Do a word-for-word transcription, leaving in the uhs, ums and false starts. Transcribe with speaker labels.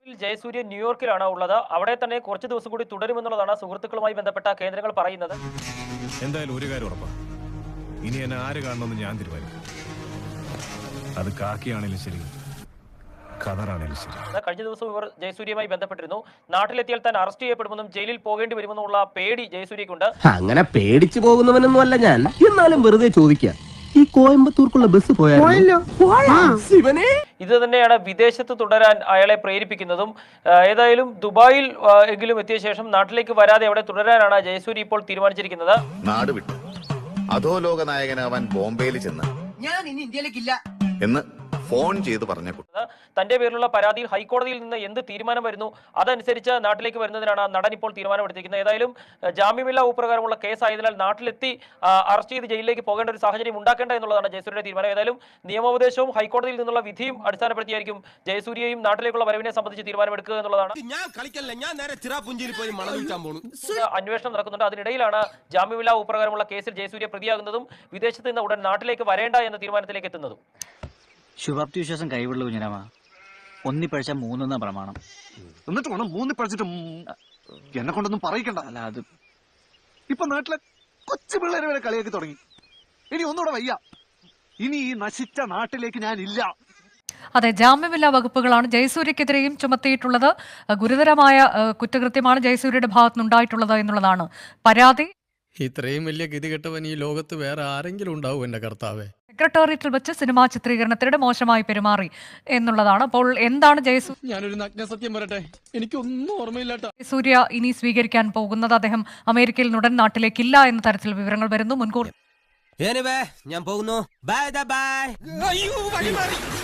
Speaker 1: ജയസൂര്യ ന്യൂയോർക്കിലാണ് ഉള്ളത്. അവിടെ തന്നെ കുറച്ച് ദിവസം കൂടി തുടരുമെന്നുള്ളതാണ് സുഹൃത്തുക്കളുമായി ബന്ധപ്പെട്ട കേന്ദ്രങ്ങൾ പറയുന്നത്.
Speaker 2: എന്തായാലും ഒരു കാര്യം ഉറപ്പാ, ഇനി എന്നെ ആര് കാണണമെന്ന് ഞാൻ തീരുമാനിക്കും. അത് കാക്കിയാണെങ്കിലും ശരി, ഖദറാണെങ്കിലും ശരി.
Speaker 1: കഴിഞ്ഞ ദിവസം ഇവർ ജയസൂര്യയുമായി ബന്ധപ്പെട്ടിരുന്നു. നാട്ടിലെത്തിയാൽ താൻ അറസ്റ്റ് ചെയ്യപ്പെടുമെന്നും ജയിലിൽ പോകേണ്ടി വരുമെന്നുള്ള പേടി ജയസൂര്യക്കുണ്ട്.
Speaker 3: അങ്ങനെ പേടിച്ചു പോകുന്നവനൊന്നും അല്ല ഞാൻ, എന്നാലും വെറുതെ ചോദിക്കാം, ഈ കോയമ്പത്തൂർക്കുള്ള ബസ് പോയാലോ?
Speaker 1: ഇത് തന്നെയാണ് വിദേശത്ത് തുടരാൻ അയാളെ പ്രേരിപ്പിക്കുന്നതും. ഏതായാലും ദുബായിൽ എങ്കിലും എത്തിയ ശേഷം നാട്ടിലേക്ക് വരാതെ അവിടെ തുടരാനാണ് ജയസൂര്യ ഇപ്പോൾ തീരുമാനിച്ചിരിക്കുന്നത്.
Speaker 4: നാട് വിട്ടു അധോലോക നായകനാവാൻ ബോംബെയിൽ ചെന്ന്
Speaker 5: ഞാൻ ഇനി ഇന്ത്യയിലേക്കില്ല
Speaker 4: എന്ന് ഫോൺ ചെയ്ത് പറഞ്ഞ
Speaker 1: തന്റെ പേരിലുള്ള പരാതിയിൽ ഹൈക്കോടതിയിൽ നിന്ന് എന്ത് തീരുമാനം വരുന്നു അതനുസരിച്ച് നാട്ടിലേക്ക് വരുന്നതിനാണ് നടൻ ഇപ്പോൾ തീരുമാനമെടുത്തിരിക്കുന്നത്. ഏതായാലും ജാമ്യമില്ലാ ഉപ്രകാരമുള്ള കേസായതിനാൽ നാട്ടിലെത്തി അറസ്റ്റ് ചെയ്ത് ജയിലിലേക്ക് പോകേണ്ട ഒരു സാഹചര്യം ഉണ്ടാക്കേണ്ട എന്നുള്ളതാണ് ജയസൂര്യയുടെ തീരുമാനം. ഏതായാലും നിയമോപദേശവും ഹൈക്കോടതിയിൽ നിന്നുള്ള വിധിയും അടിസ്ഥാനപ്പെടുത്തിയായിരിക്കും ജയസൂര്യയും നാട്ടിലേക്കുള്ള വരവിനെ സംബന്ധിച്ച് തീരുമാനമെടുക്കുക എന്നുള്ളതാണ്. അന്വേഷണം നടക്കുന്നുണ്ട്. അതിനിടയിലാണ് ജാമ്യമില്ലാ ഉപ്രകാരമുള്ള കേസിൽ ജയസൂര്യ പ്രതിയാകുന്നതും വിദേശത്ത് നിന്ന് ഉടൻ നാട്ടിലേക്ക് വരേണ്ട എന്ന തീരുമാനത്തിലേക്ക് എത്തുന്നതും.
Speaker 6: ശുഭാപ്തി വിശ്വാസം കൈവിടുള്ള കുഞ്ഞിരാമ, ഒന്നി പഴിച്ച മൂന്നെന്ന പ്രമാണം.
Speaker 7: എന്നിട്ട് വേണം മൂന്നി പഴിച്ചിട്ട് എന്നെ കൊണ്ടൊന്നും പറയിക്കണ്ട.
Speaker 6: അല്ല, അത്
Speaker 7: ഇപ്പൊ നാട്ടിലെ കൊച്ചു പിള്ളേരെ വരെ കളിയാക്കി തുടങ്ങി. ഇനി ഒന്നുകൂടെ വയ്യ. ഇനി ഈ നശിച്ച നാട്ടിലേക്ക് ഞാൻ ഇല്ല.
Speaker 8: അതെ, ജാമ്യമില്ലാ വകുപ്പുകളാണ് ജയസൂര്യക്കെതിരെയും ചുമത്തിയിട്ടുള്ളത്. ഗുരുതരമായ കുറ്റകൃത്യമാണ് ജയസൂര്യയുടെ ഭാഗത്തുനിന്നുണ്ടായിട്ടുള്ളത് എന്നുള്ളതാണ് പരാതി.
Speaker 9: ഇത്രയും വലിയ ഗതികെട്ടവൻ ഈ ലോകത്ത് വേറെ ആരെങ്കിലും ഉണ്ടാവും എന്റെ കർത്താവേ.
Speaker 8: സെക്രട്ടേറിയറ്റിൽ വെച്ച് സിനിമാ ചിത്രീകരണത്തിനിടെ മോശമായി പെരുമാറി എന്നുള്ളതാണ്. അപ്പോൾ എന്താണ് ജയസൂര്യ
Speaker 9: ഞാനൊരു നഗ്ന സത്യം പറയട്ടെ, എനിക്കൊന്നും ഓർമ്മയില്ലാട്ടോ.
Speaker 8: ജയസൂര്യ ഇനി സ്വീകരിക്കാൻ പോകുന്നത്? അദ്ദേഹം അമേരിക്കയിൽ ഉടൻ നാട്ടിലേക്കില്ല എന്ന തരത്തിൽ വിവരങ്ങൾ വരുന്നു. മുൻകൂർ
Speaker 5: ഞാൻ പോകുന്നു. Bye by.